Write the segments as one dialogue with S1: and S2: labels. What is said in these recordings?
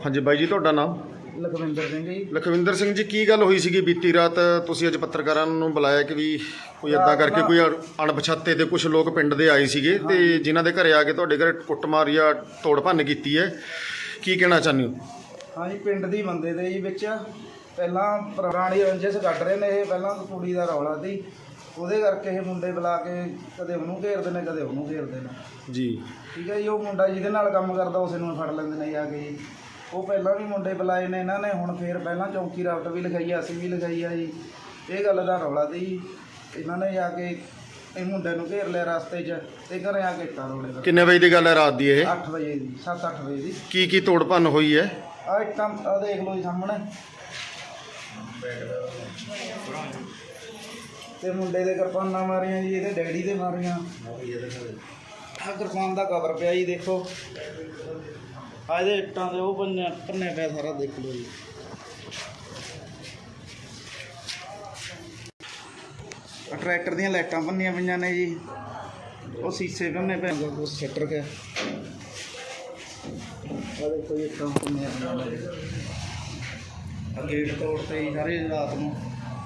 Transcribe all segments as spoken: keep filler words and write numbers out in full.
S1: ਹਾਂਜੀ ਬਾਈ ਜੀ, ਤੁਹਾਡਾ ਨਾਮ?
S2: ਲਖਵਿੰਦਰ ਸਿੰਘ ਜੀ।
S1: ਲਖਵਿੰਦਰ ਸਿੰਘ ਜੀ, ਕੀ ਗੱਲ ਹੋਈ ਸੀਗੀ ਬੀਤੀ ਰਾਤ? ਤੁਸੀਂ ਅੱਜ ਪੱਤਰਕਾਰਾਂ ਨੂੰ ਬੁਲਾਇਆ ਕਿ ਵੀ ਕੋਈ ਇੱਦਾਂ ਕਰਕੇ ਕੋਈ ਅਣਪਛਾਤੇ ਤੇ ਕੁਝ ਲੋਕ ਪਿੰਡ ਦੇ ਆਏ ਸੀਗੇ ਤੇ ਜਿਨ੍ਹਾਂ ਦੇ ਘਰੇ ਆ ਕੇ ਤੁਹਾਡੇ ਘਰੇ ਕੁੱਟਮਾਰ ਜਾਂ ਤੋੜ ਭੰਨ ਕੀਤੀ ਹੈ, ਕੀ ਕਹਿਣਾ ਚਾਹੁੰਦੇ ਹੋ?
S2: ਹਾਂਜੀ, ਪਿੰਡ ਦੀ ਬੰਦੇ ਦੇ ਜੀ ਵਿੱਚ ਪਹਿਲਾਂ ਪੁਰਾਣੀ ਰੰਜਿਸ਼ ਕੱਢ ਰਹੇ ਨੇ। ਇਹ ਪਹਿਲਾਂ ਕੁੜੀ ਦਾ ਰੌਲਾ ਸੀ, ਉਹਦੇ ਕਰਕੇ ਇਹ ਮੁੰਡੇ ਬੁਲਾ ਕੇ ਕਦੇ ਉਹਨੂੰ ਘੇਰਦੇ ਨੇ ਕਦੇ ਉਹਨੂੰ ਘੇਰਦੇ ਨੇ
S1: ਜੀ।
S2: ਠੀਕ ਹੈ ਜੀ। ਉਹ ਮੁੰਡਾ ਜਿਹਦੇ ਨਾਲ ਕੰਮ ਕਰਦਾ ਉਸੇ ਨੂੰ ਫੜ ਲੈਂਦੇ ਨੇ ਜਾ ਕੇ ਜੀ। ਉਹ ਪਹਿਲਾਂ ਵੀ ਮੁੰਡੇ ਬੁਲਾਏ ਨੇ ਇਹਨਾਂ ਨੇ, ਹੁਣ ਫੇਰ ਪਹਿਲਾਂ ਚੌਂਕੀ ਰਾਵਟ ਵੀ ਲਿਖਾਈ ਆ, ਅਸੀਂ ਵੀ ਲਿਖਾਈ ਆ ਜੀ। ਇਹ ਗੱਲ ਦਾ ਰੌਲਾ ਸੀ। ਇਹਨਾਂ ਨੇ ਜਾ ਕੇ ਇਹ ਮੁੰਡੇ ਨੂੰ ਘੇਰ ਲਿਆ ਰਸਤੇ 'ਚ ਤੇ ਘਰੇ ਆ ਕੇ ਇੱਟਾਂ ਰੋੜੇ।
S1: ਕਿੰਨੇ ਵਜੇ ਦੀ ਗੱਲ ਹੈ ਰਾਤ ਦੀ ਇਹ?
S2: ਅੱਠ ਵਜੇ ਦੀ, ਸੱਤ ਅੱਠ ਵਜੇ ਦੀ।
S1: ਕੀ ਕੀ ਤੋੜ ਭੰਨ ਹੋਈ ਹੈ?
S2: ਆ ਇੱਟਾਂ ਆ ਦੇਖ ਲਓ ਜੀ ਸਾਹਮਣੇ। ਤੇ ਮੁੰਡੇ ਦੇ ਕਿਰਪਾਨਾਂ ਮਾਰੀਆਂ ਜੀ, ਇਹਦੇ ਡੈਡੀ ਦੇ ਮਾਰੀਆਂ। ਆਹ ਕਿਰਪਾਨ ਦਾ ਕਵਰ ਪਿਆ ਜੀ, ਦੇਖੋ। ਆ ਇਹਦੇ ਇੱਟਾਂ ਦੇ ਉਹ ਪੰਨੇ ਪੰਨੇ ਪਿਆ ਸਾਰਾ, ਦੇਖ ਲਓ ਜੀ। ਟਰੈਕਟਰ ਦੀਆਂ ਲਾਈਟਾਂ ਪੰਨੀਆਂ ਪਈਆਂ ਨੇ ਜੀ। ਉਹ ਸੀਸੇ ਪੰਨੇ ਪਏ, ਉਹ ਸੈਟਰ ਕੇ। ਆ ਦੇਖੋ ਜੀ, ਇੱਟਾਂ ਪੰਨੀਆਂ ਪਈਆਂ ਨੇ। ਆ ਗੇਟ ਤੋੜਤੇ ਜੀ ਸਾਰੇ ਰਾਤ ਨੂੰ।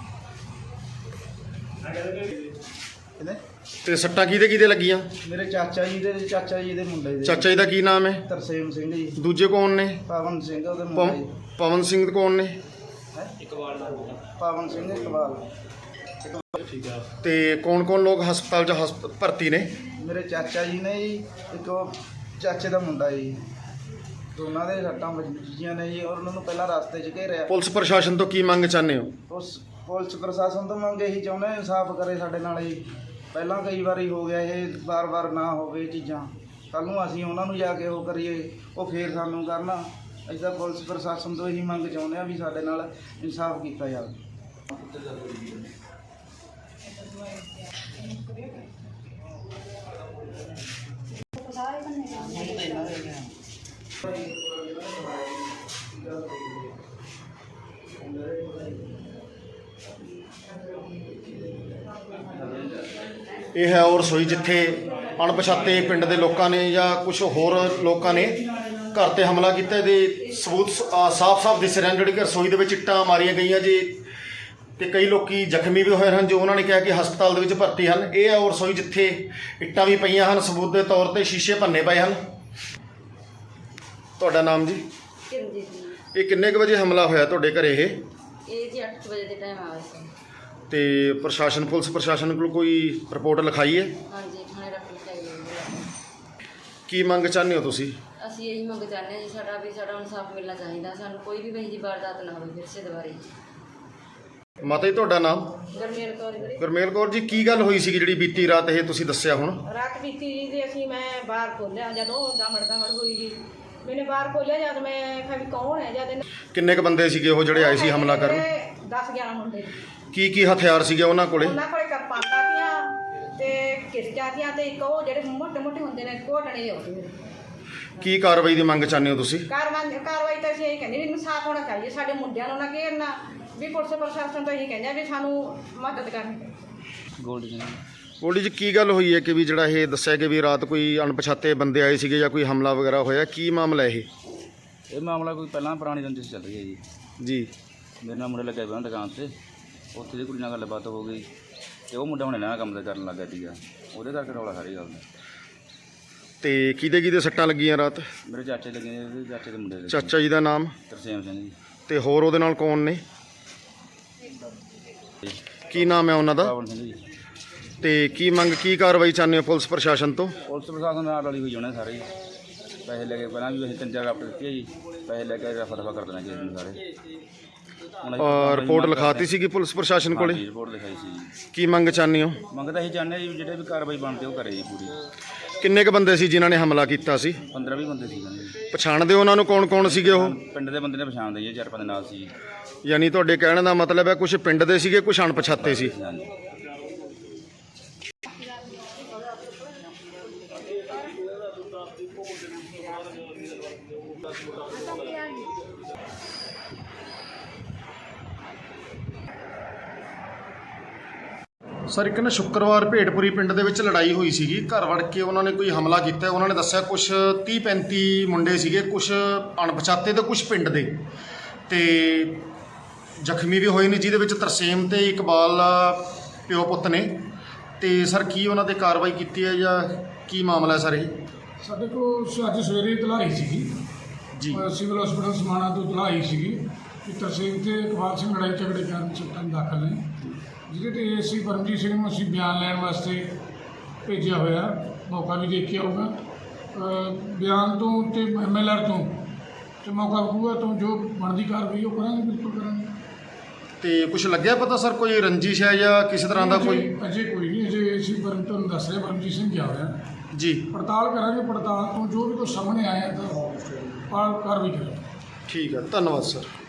S1: ਤੇ ਸੱਟਾਂ ਕਿਹਦੇ ਕਿਹਦੇ ਲੱਗੀਆਂ?
S2: ਮੇਰੇ ਚਾਚਾ ਜੀ ਦੇ ਚਾਚਾ ਜੀ ਦੇ ਮੁੰਡੇ ਦੇ।
S1: ਚਾਚਾ ਜੀ ਦਾ ਕੀ ਨਾਮ ਹੈ?
S2: ਤਰਸੇਮ ਸਿੰਘ ਜੀ।
S1: ਦੂਜੇ ਕੌਣ ਨੇ?
S2: ਪਵਨ ਸਿੰਘ ਉਹਦੇ ਮੁੰਡੇ ਜੀ।
S1: ਪਵਨ ਸਿੰਘ ਕੌਣ ਨੇ?
S2: ਇਕਬਾਲ ਪਵਨ ਸਿੰਘ ਇਕਬਾਲ।
S1: ਤੇ ਕੌਣ ਕੌਣ ਲੋਕ ਹਸਪਤਾਲ 'ਚ ਹਸਪ ਭਰਤੀ ਨੇ?
S2: ਮੇਰੇ ਚਾਚਾ ਜੀ ਨੇ ਜੀ, ਇੱਕ ਉਹ ਚਾਚੇ ਦਾ ਮੁੰਡਾ ਜੀ। ਦੋਨਾਂ ਦੇ ਸੱਟਾਂ ਵੱਜੀਆਂ ਨੇ ਜੀ, ਔਰ ਉਹਨਾਂ ਨੂੰ ਪਹਿਲਾਂ ਰਸਤੇ 'ਚ ਘੇਰਿਆ।
S1: ਪੁਲਿਸ ਪ੍ਰਸ਼ਾਸਨ ਤੋਂ ਕੀ ਮੰਗ ਚਾਹੁੰਦੇ ਹੋ?
S2: ਉਸ ਪੁਲਿਸ ਪ੍ਰਸ਼ਾਸਨ ਤੋਂ ਮੰਗ ਇਹੀ ਚਾਹੁੰਦੇ ਇਨਸਾਫ ਕਰੇ ਸਾਡੇ ਨਾਲ ਜੀ। ਪਹਿਲਾਂ ਕਈ ਵਾਰੀ ਹੋ ਗਿਆ, ਇਹ ਵਾਰ-ਵਾਰ ਨਾ ਹੋਵੇ ਇਹ ਚੀਜ਼ਾਂ। ਕੱਲ੍ਹ ਨੂੰ ਅਸੀਂ ਉਹਨਾਂ ਨੂੰ ਜਾ ਕੇ ਉਹ ਕਰੀਏ, ਉਹ ਫੇਰ ਸਾਨੂੰ ਕਰਨਾ। ਅਸੀਂ ਤਾਂ ਪੁਲਿਸ ਪ੍ਰਸ਼ਾਸਨ ਤੋਂ ਇਹੀ ਮੰਗ ਚਾਹੁੰਦੇ ਹਾਂ ਵੀ ਸਾਡੇ ਨਾਲ ਇਨਸਾਫ ਕੀਤਾ ਜਾਵੇ।
S1: ਇਹ ਹੈ ਉਹ ਰਸੋਈ ਜਿੱਥੇ ਅਣਪਛਾਤੇ ਪਿੰਡ ਦੇ ਲੋਕਾਂ ਨੇ ਜਾਂ ਕੁਝ ਹੋਰ ਲੋਕਾਂ ਨੇ ਘਰ ਤੇ ਹਮਲਾ ਕੀਤਾ। ਇਹਦੇ ਸਬੂਤ ਸਾਫ਼-ਸਾਫ਼ ਦਿਸ ਰਹੇ ਹਨ। ਜਿਹੜੀ ਕਿ ਰਸੋਈ ਦੇ ਵਿੱਚ ਇੱਟਾਂ ਮਾਰੀਆਂ ਗਈਆਂ ਜੀ, ਤੇ ਕਈ ਲੋਕੀ ਜ਼ਖਮੀ ਵੀ ਹੋਏ ਹਨ ਜੋ ਉਹਨਾਂ ਨੇ ਕਿਹਾ ਕਿ ਹਸਪਤਾਲ ਦੇ ਵਿੱਚ ਭਰਤੀ ਹਨ। ਇਹ ਹੈ ਉਹ ਰਸੋਈ ਜਿੱਥੇ ਇੱਟਾਂ ਵੀ ਪਈਆਂ ਹਨ, ਸਬੂਤ ਦੇ ਤੌਰ ਤੇ ਸ਼ੀਸ਼ੇ ਭੰਨੇ ਪਏ ਹਨ। ਤੁਹਾਡਾ ਨਾਮ ਜੀ?
S3: ਕਿਰਨਜੀਤ ਜੀ।
S1: ਇਹ ਕਿੰਨੇ ਕੁ ਵਜੇ ਹਮਲਾ ਹੋਇਆ ਤੁਹਾਡੇ ਘਰੇ? ਇਹ
S3: ਇਹ ਜੀ ਅੱਠ ਵਜੇ ਦੇ ਟਾਈਮ ਆਇਆ ਸੀ।
S1: ਤੇ ਪ੍ਰਸ਼ਾਸਨ ਪੁਲਿਸ ਪ੍ਰਸ਼ਾਸਨ ਕੋਲ ਕੋਈ ਰਿਪੋਰਟ ਲਿਖਾਈ ਹੈ?
S3: ਹਾਂਜੀ, ਥਾਣੇ ਰੱਖ ਲਿਆ।
S1: ਕੀ ਮੰਗ ਚਾਹੁੰਦੇ ਹੋ ਤੁਸੀਂ?
S3: ਅਸੀਂ ਇਹੀ ਮੰਗ ਚਾਹੁੰਦੇ ਹਾਂ ਜੀ, ਸਾਡਾ ਵੀ ਸਾਡਾ ਇਨਸਾਫ ਮਿਲਣਾ ਚਾਹੀਦਾ। ਸਾਨੂੰ ਕੋਈ ਵੀ ਵਹੀ ਦੀ ਵਾਰਦਾਤ ਨਾ ਹੋਵੇ ਫਿਰ ਸੇ ਦੁਬਾਰੇ।
S1: ਮਾਤਾ ਜੀ, ਤੁਹਾਡਾ ਨਾਮ?
S3: ਗਰਮੇਲ ਕੌਰ ਵੀਰੇ।
S1: ਗੁਰਮੇਲ ਕੌਰ ਜੀ, ਕੀ ਗੱਲ ਹੋਈ ਸੀਗੀ ਜਿਹੜੀ ਬੀਤੀ ਰਾਤ ਇਹ ਤੁਸੀਂ ਦੱਸਿਆ ਹੁਣ?
S4: ਰਾਤ ਬੀਤੀ ਜੀ ਤੇ ਅਸੀਂ ਮੈਂ ਬਾਹਰ ਖੋਲ੍ਹਿਆ, ਜਦੋਂ ਦਮੜ ਦਮੜ ਹੋਈ ਜੀ ਮੈਨੇ ਬਾਹਰ ਖੋਲ੍ਹਿਆ। ਜਦ ਮੈਂ ਕਿਹਾ ਵੀ ਕੌਣ ਹੈ, ਜਦ
S1: ਕਿੰਨੇ ਕ ਬੰਦੇ ਸੀਗੇ ਉਹ ਜਿਹੜੇ ਆਏ ਸੀ ਹਮਲਾ ਕਰਨ?
S4: ਦਸ ਗਿਆਰਾਂ ਮੁੰਡੇ।
S1: ਕੀ ਕੀ ਹਥਿਆਰ ਸੀਗੇ ਉਹਨਾਂ ਕੋਲੇ?
S4: ਉਹਨਾਂ ਕੋਲੇ ਕਿਰਪਾਨਾਂ ਤੀਆਂ ਤੇ ਕਿਰਚਾਂ ਤੀਆਂ ਤੇ ਇੱਕ ਉਹ ਜਿਹੜੇ ਮੋਟੇ ਮੋਟੇ ਹੁੰਦੇ ਨੇ ਘੋਟਣੇ ਜਿਹੇ ਹੁੰਦੇ ਨੇ।
S1: ਕੀ ਕਾਰਵਾਈ ਦੀ ਮੰਗ ਚਾਹੁੰਦੇ ਹੋ ਤੁਸੀਂ?
S4: ਕਾਰਵਾਈ ਕਾਰਵਾਈ ਤਾਂ ਅਸੀਂ ਇਹ ਕਹਿੰਦੇ ਵੀ ਇਨਸਾਫ ਹੋਣਾ ਚਾਹੀਦਾ। ਸਾਡੇ ਮੁੰਡਿਆਂ ਨੂੰ ਨਾ ਘੇਰਨਾ, ਵੀ ਪੁਲਿਸ ਪ੍ਰਸ਼ਾਸਨ ਤੋਂ ਇਹੀ ਕਹਿੰਦੇ ਵੀ ਸਾਨੂੰ ਮਦਦ ਕਰਨੀ।
S2: ਗੋਲਡੀ
S1: ਗੋਲਡੀ ਜੀ, ਕੀ ਗੱਲ ਹੋਈ ਹੈ ਕਿ ਵੀ ਜਿਹੜਾ ਇਹ ਦੱਸਿਆ ਕਿ ਵੀ ਰਾਤ ਕੋਈ ਅਣਪਛਾਤੇ ਬੰਦੇ ਆਏ ਸੀਗੇ ਜਾਂ ਕੋਈ ਹਮਲਾ ਵਗੈਰਾ ਹੋਇਆ? ਕੀ ਮਾਮਲਾ ਇਹ?
S5: ਇਹ ਮਾਮਲਾ ਕੋਈ ਪਹਿਲਾਂ ਪੁਰਾਣੀ ਰੰਜਿਸ਼ ਚੱਲ ਰਹੀ ਹੈ ਜੀ।
S1: ਜੀ।
S5: ਮੇਰੇ ਨਾਲ ਮੁੰਡੇ ਲੱਗੇ ਪਏ ਦੁਕਾਨ 'ਤੇ, ਉੱਥੇ ਦੀ ਕੁੜੀ ਨਾਲ ਗੱਲਬਾਤ ਹੋ ਗਈ ਤੇ ਉਹ ਮੁੰਡਾ ਹੁਣ ਇਹਨਾਂ ਕੰਮ ਤੇ ਕਰਨ ਲੱਗਾ ਸੀਗਾ, ਉਹਦੇ ਕਰਕੇ ਰੌਲਾ ਸਾਰੀ ਗੱਲ ਦਾ।
S1: ਤੇ ਕਿਹਦੇ ਕਿਹਦੇ ਸੱਟਾਂ ਲੱਗੀਆਂ ਰਾਤ?
S5: ਮੇਰੇ ਚਾਚੇ ਲੱਗੇ ਨੇ, ਉਹਦੇ ਚਾਚੇ ਦੇ ਮੁੰਡੇ ਦੇ।
S1: ਚਾਚਾ ਜੀ ਦਾ ਨਾਮ?
S5: ਤਰਸੇਮ ਸਿੰਘ ਜੀ।
S1: ਤੇ ਹੋਰ ਉਹਦੇ ਨਾਲ ਕੌਣ ਨੇ? ਕੀ ਨਾਮ ਹੈ ਉਹਨਾਂ ਦਾ?
S5: ਪਵਨ ਸਿੰਘ ਜੀ।
S1: ਤੇ ਕੀ ਮੰਗ ਕੀ ਕਾਰਵਾਈ ਚਾਹੁੰਦੇ ਹੋ ਪੁਲਿਸ ਪ੍ਰਸ਼ਾਸਨ ਤੋਂ?
S5: ਪੁਲਿਸ ਪ੍ਰਸ਼ਾਸਨ ਨਾਲ ਰਲੀ ਹੋਈ ਹੋਣੇ ਸਾਰੇ, ਪੈਸੇ ਲੈ ਕੇ ਪਹਿਲਾਂ ਵੀ ਅਸੀਂ ਤਿੰਨ ਚਾਰ ਰਾਪਟ ਦਿੱਤੀ ਹੈ ਜੀ, ਪੈਸੇ ਲੈ ਕੇ ਰਫਾ ਦਫਾ ਕਰ ਦੇਣਾ ਕਿਸੇ ਨੂੰ ਸਾਰੇ।
S1: ਰਿਪੋਰਟ ਲਿਖਾਤੀ ਸੀਗੀ ਪੁਲਿਸ ਪ੍ਰਸ਼ਾਸਨ ਕੋਲੇ?
S5: ਰਿਪੋਰਟ ਲਿਖਾਈ ਸੀ ਜੀ।
S1: ਕੀ ਮੰਗ ਚਾਹੁੰਦੇ ਹੋ?
S5: ਮੰਗ ਤਾਂ ਅਸੀਂ ਚਾਹੁੰਦੇ ਹਾਂ ਜੀ ਜਿਹੜੇ ਵੀ ਕਾਰਵਾਈ ਬਣਦੀ ਉਹ ਕਰੇ ਜੀ ਪੂਰੀ।
S1: ਕਿੰਨੇ ਕ ਬੰਦੇ ਸੀ ਜਿਨ੍ਹਾਂ ਨੇ ਹਮਲਾ ਕੀਤਾ ਸੀ?
S5: ਪੰਦਰਾਂ ਵੀਹ ਬੰਦੇ ਸੀ ਜੀ।
S1: ਪਛਾਣਦੇ ਹੋ ਉਹਨਾਂ ਨੂੰ? ਕੌਣ ਕੌਣ ਸੀਗੇ ਉਹ?
S5: ਪਿੰਡ ਦੇ ਬੰਦੇ ਨੇ ਪਛਾਣਦੇ ਜੀ, ਚਾਰ ਪੰਜ ਨਾਲ ਸੀ।
S1: ਯਾਨੀ ਤੁਹਾਡੇ ਕਹਿਣ ਦਾ ਮਤਲਬ ਹੈ ਕੁਝ ਪਿੰਡ ਦੇ ਸੀਗੇ, ਕੁਝ ਅਣਪਛਾਤੇ ਸੀ?
S5: ਹਾਂਜੀ।
S1: ਸਰ ਇੱਕ ਨਾ ਸ਼ੁੱਕਰਵਾਰ ਭੇਡਪੁਰੀ ਪਿੰਡ ਦੇ ਵਿੱਚ ਲੜਾਈ ਹੋਈ ਸੀਗੀ, ਘਰ ਵੜ ਕੇ ਉਹਨਾਂ ਨੇ ਕੋਈ ਹਮਲਾ ਕੀਤਾ। ਉਹਨਾਂ ਨੇ ਦੱਸਿਆ ਕੁਛ ਤੀਹ ਪੈਂਤੀ ਮੁੰਡੇ ਸੀਗੇ, ਕੁਛ ਅਣਪਛਾਤੇ ਤੇ ਕੁਛ ਪਿੰਡ ਦੇ, ਤੇ ਜ਼ਖਮੀ ਵੀ ਹੋਏ ਨੇ, ਜਿਹਦੇ ਵਿੱਚ ਤਰਸੇਮ ਤੇ ਇਕਬਾਲ ਪਿਓ ਪੁੱਤ ਨੇ। ਤੇ ਸਰ ਕੀ ਉਹਨਾਂ ਤੇ ਕਾਰਵਾਈ ਕੀਤੀ ਹੈ ਜਾਂ ਕੀ ਮਾਮਲਾ ਹੈ ਸਰ ਇਹ?
S6: ਸਾਡੇ ਕੋਲ ਅੱਜ ਸਵੇਰੇ ਇਤਲਾਹ ਆਈ ਸੀਗੀ
S1: ਜੀ
S6: ਅ, ਸਿਵਲ ਹਸਪੀਟਲ ਸਮਾਣਾ ਤੋਂ ਇਤਲਾਹ ਆਈ ਸੀਗੀ ਕਿ ਤਰਸੇਮ ਤੇ ਇਕਬਾਲ ਸਿੰਘ ਲੜਾਈ ਝਗੜੇ ਕਾਰਨ ਸੱਟਾਂ ਦਾਖਲ ਨੇ, ਜਿਹਦੇ ਤੇ ਏਸੀ ਪਰਮਜੀਤ ਸਿੰਘ ਨੂੰ ਅਸੀਂ ਬਿਆਨ ਲੈਣ ਵਾਸਤੇ ਭੇਜਿਆ ਹੋਇਆ। ਮੌਕਾ ਵੀ ਦੇਖ ਕੇ ਆਊਗਾ, ਅ, ਬਿਆਨ ਤੋਂ ਤੇ ਐਮ ਐਲ ਆਰ ਤੋਂ ਤੇ ਮੌਕਾ ਵਿਖੂਗਾ ਤੋਂ ਜੋ ਬਣਦੀ ਕਾਰਵਾਈ ਉਹ ਕਰਾਂਗੇ, ਬਿਲਕੁਲ ਕਰਾਂਗੇ।
S1: ਤੇ ਕੁਛ ਲੱਗਿਆ ਪਤਾ ਸਰ ਕੋਈ ਰੰਜਿਸ਼ ਹੈ ਜਾਂ ਕਿਸੇ ਤਰ੍ਹਾਂ ਦਾ ਕੋਈ?
S6: ਅਜੇ- ਅਜੇ ਕੋਈ ਨਹੀਂ, ਅਜੇ ਏਸੀ ਪਰਮ ਤੁਹਾਨੂੰ ਦੱਸ ਰਿਹਾ ਪਰਮਜੀਤ ਸਿੰਘ ਗਿਆ ਹੋਇਆ।
S1: ਜੀ
S6: ਪੜਤਾਲ ਕਰਾਂਗੇ, ਪੜਤਾਲ ਤੋਂ ਜੋ ਵੀ ਕੁਛ ਸਾਹਮਣੇ ਆਇਆ ਤਾਂ ਪਾਲ ਕਾਰਵਾਈ ਕਰਾਂਗੇ।
S1: ਠੀਕ ਹੈ, ਧੰਨਵਾਦ ਸਰ।